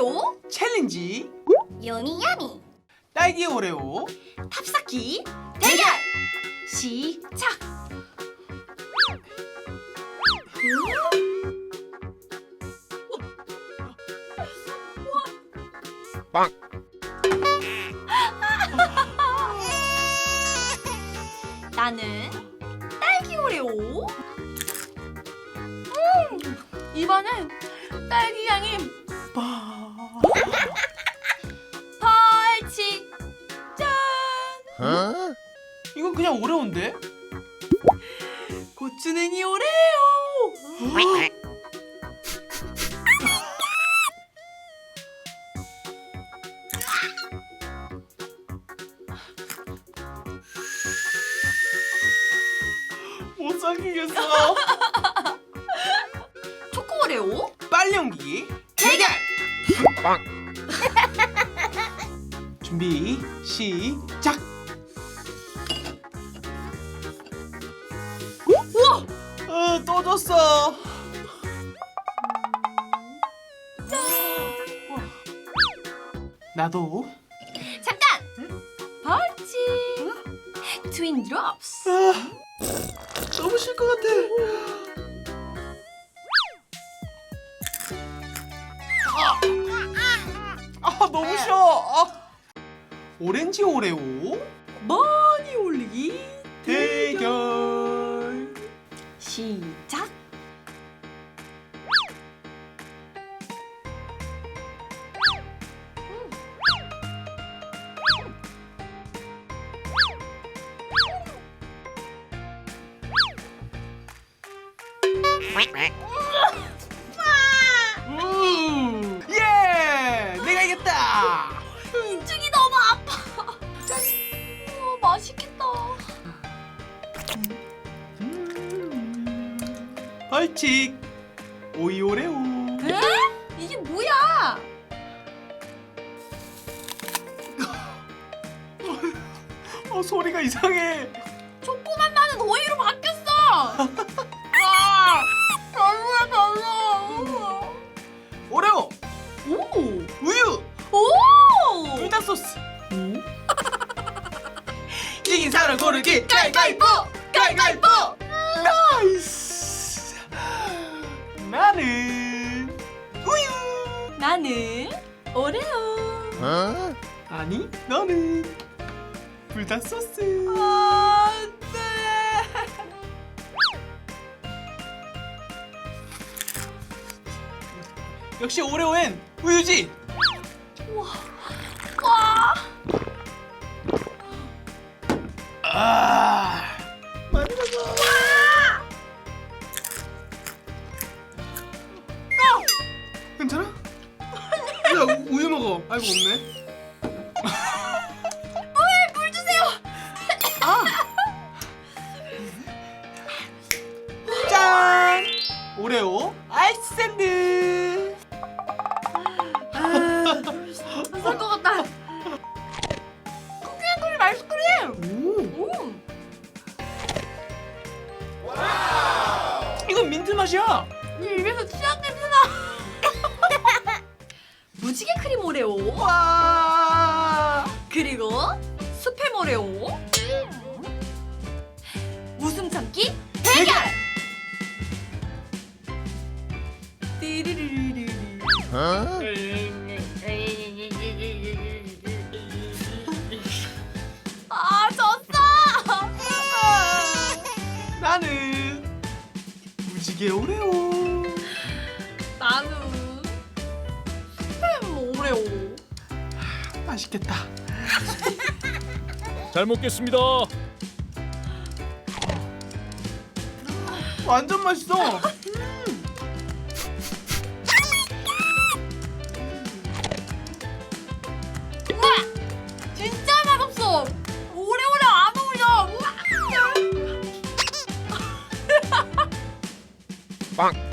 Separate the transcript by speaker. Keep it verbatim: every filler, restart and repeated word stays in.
Speaker 1: 오레오
Speaker 2: 챌린지
Speaker 1: 요미야미
Speaker 2: 딸기 오레오
Speaker 1: 탑쌓기 대결 시작.
Speaker 2: 빵.
Speaker 1: 나는 딸기 오레오. 음, 이번엔 딸기 향이 벌칙. 짠.
Speaker 2: 어? 이건 그냥 오레오인데?
Speaker 1: 고추냉이 오레오.
Speaker 2: 못 삼키겠어.
Speaker 1: 초코 오레오
Speaker 2: 빨리 옮기기 대결. 빵. 준비 시작.
Speaker 1: 우와.
Speaker 2: 어, 또 졌어. 나도.
Speaker 1: 잠깐. 벌칙. 트윈 드롭스.
Speaker 2: 아, 너무 쉴 것 같아. 아, 아 너무 쉬워. 아. 오렌지 오레오
Speaker 1: 많이 올리기
Speaker 2: 대결
Speaker 1: 시작.
Speaker 2: 음, 예, 내가 이겼다.
Speaker 1: 인중이 너무 아파. 우와, 맛있겠다.
Speaker 2: 음, 벌칙 오이 오레오.
Speaker 1: 에? 이게 뭐야?
Speaker 2: 어, 소리가 이상해.
Speaker 1: 초코맛 나는 오이로 바뀌었어. 아, 별로야 별로.
Speaker 2: 오레오
Speaker 1: 오,
Speaker 2: 우유
Speaker 1: 오.
Speaker 2: 불닭 소스. 이긴 사람 고르기 가위가위보. 가위가위보. 나이스. 나는 우유.
Speaker 1: 나는 오레오.
Speaker 2: 어? 아니 너는 불닭 소스.
Speaker 1: 안 돼.
Speaker 2: 역시 오레오엔 우유지.
Speaker 1: 와.
Speaker 2: 아, 많이 먹어. 괜찮아? 야, 우유 먹어. 아이고 없네.
Speaker 1: 물 주세요.
Speaker 2: 아. 짠! 오레오 아이스 샌드.
Speaker 1: 살 것 같다. 쿠키앤 크림 아이스크림.
Speaker 2: 오,
Speaker 1: 오.
Speaker 2: 이건 민트 맛이야.
Speaker 1: 이 입에서 치약 냄새나. 무지개 크림 오레오.
Speaker 2: 와.
Speaker 1: 그리고 스팸 오레오. 웃음 참기 대결. 띠리리리리. 아, 졌어.
Speaker 2: 나는 무지개 오레오.
Speaker 1: 나는 스팸 오레오.
Speaker 2: 맛있겠다.
Speaker 3: 잘 먹겠습니다.
Speaker 2: 완전 맛있어.
Speaker 1: 우와, 진짜 맛없어. 오래오래 안 어울려. 우와.
Speaker 3: 빵.